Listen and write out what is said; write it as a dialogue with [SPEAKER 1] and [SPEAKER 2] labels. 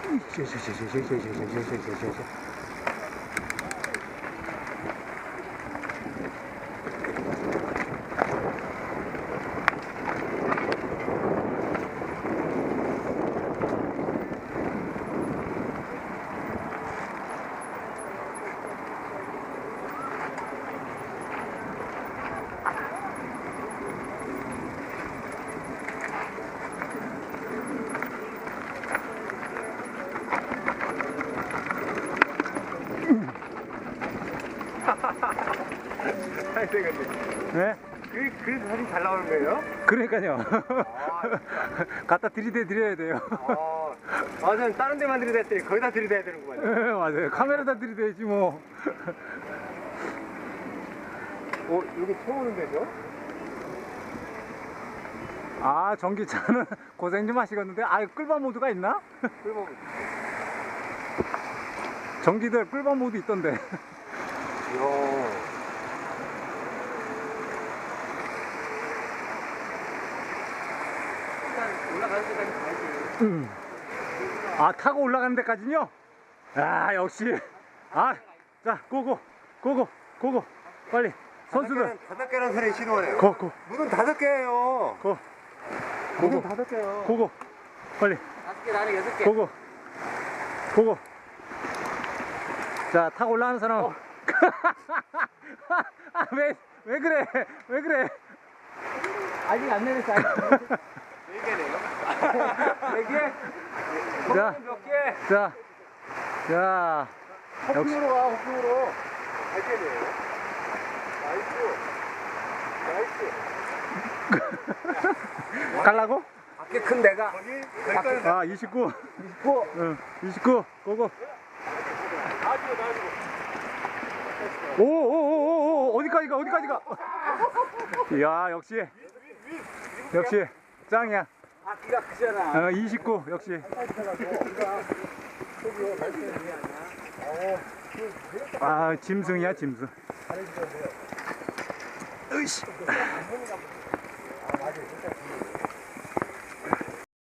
[SPEAKER 1] 네?
[SPEAKER 2] 그래서 사진 잘 나오는 거예요?
[SPEAKER 1] 그러니까요. 갖다 들이대야 돼요.
[SPEAKER 2] 맞아요. 다른 데만 들이댔더니 거기다 들이대야 되는구만.
[SPEAKER 1] 네, 맞아요. 카메라다 들이대야지 뭐.
[SPEAKER 2] 여기 채우는 데죠?
[SPEAKER 1] 아, 전기차는 고생 좀 하시겠는데. 아, 끌바 모드가 있나?
[SPEAKER 2] 끌바 모드.
[SPEAKER 1] 전기들 끌바 모드 있던데.
[SPEAKER 2] 이야. 올라가는 데까지 가야지.
[SPEAKER 1] 아, 타고 올라가는 데까지요? 아, 역시. 아, 자, 고고. 빨리. 선수들.
[SPEAKER 2] 5개라는 소리 신호네요.
[SPEAKER 1] 고.
[SPEAKER 2] 문은 5개예요. 문은 5개요.
[SPEAKER 1] 고고. 빨리.
[SPEAKER 2] 5개, 나는 6개.
[SPEAKER 1] 고고. 자, 타고 올라가는 사람. 아, 왜 그래?
[SPEAKER 2] 아직 안 내렸어. 4개네요. 4개?
[SPEAKER 1] 자,
[SPEAKER 2] 몇 개?
[SPEAKER 1] 자.
[SPEAKER 2] 호핑으로 가, 호핑으로. 8개네요. 나이스.
[SPEAKER 1] 갈라고?
[SPEAKER 2] 밖에 큰 데가.
[SPEAKER 1] 아, 29.
[SPEAKER 2] 29.
[SPEAKER 1] 응, 29. 고고. 오, 어디까지 가? 이야, 역시 짱이야.
[SPEAKER 2] 바퀴가 크잖아.
[SPEAKER 1] 29 역시. 아, 짐승이야, 짐승. 으이씨.